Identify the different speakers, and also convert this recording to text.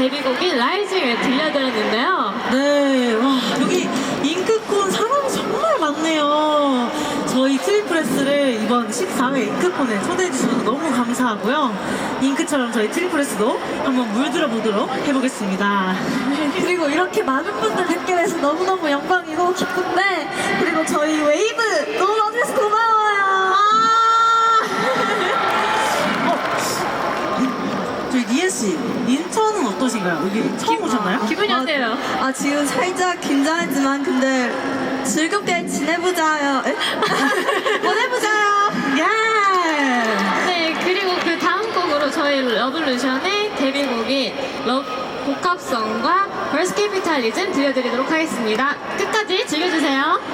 Speaker 1: 데뷔곡인 라이징을 들려드렸는데요.
Speaker 2: 네, 와, 여기 잉크콘 사람이 정말 많네요. 저희 트리플S를 이번 14회 잉크콘에 초대해주셔서 너무 감사하고요. 잉크처럼 저희 트리플S도 한번 물들어 보도록 해보겠습니다.
Speaker 3: 그리고 이렇게 많은 분들 뵙게 돼서 너무너무 영광이고 기쁜데, 그리고 저희 웨이브 너무 많아서 고마워요.
Speaker 2: 저희 니엔씨, 인천은 어떠신가요? 여기 처음 오셨나요?
Speaker 1: 기분이 어때요?
Speaker 3: 지금 살짝 긴장했지만 근데 즐겁게 지내보자요. 보내보자요.
Speaker 2: 예!
Speaker 1: 네, 그리고 그 다음 곡으로 저희 러블루션의 데뷔곡인 복합성과 벌스 캐피탈리즘 들려드리도록 하겠습니다. 끝까지 즐겨주세요.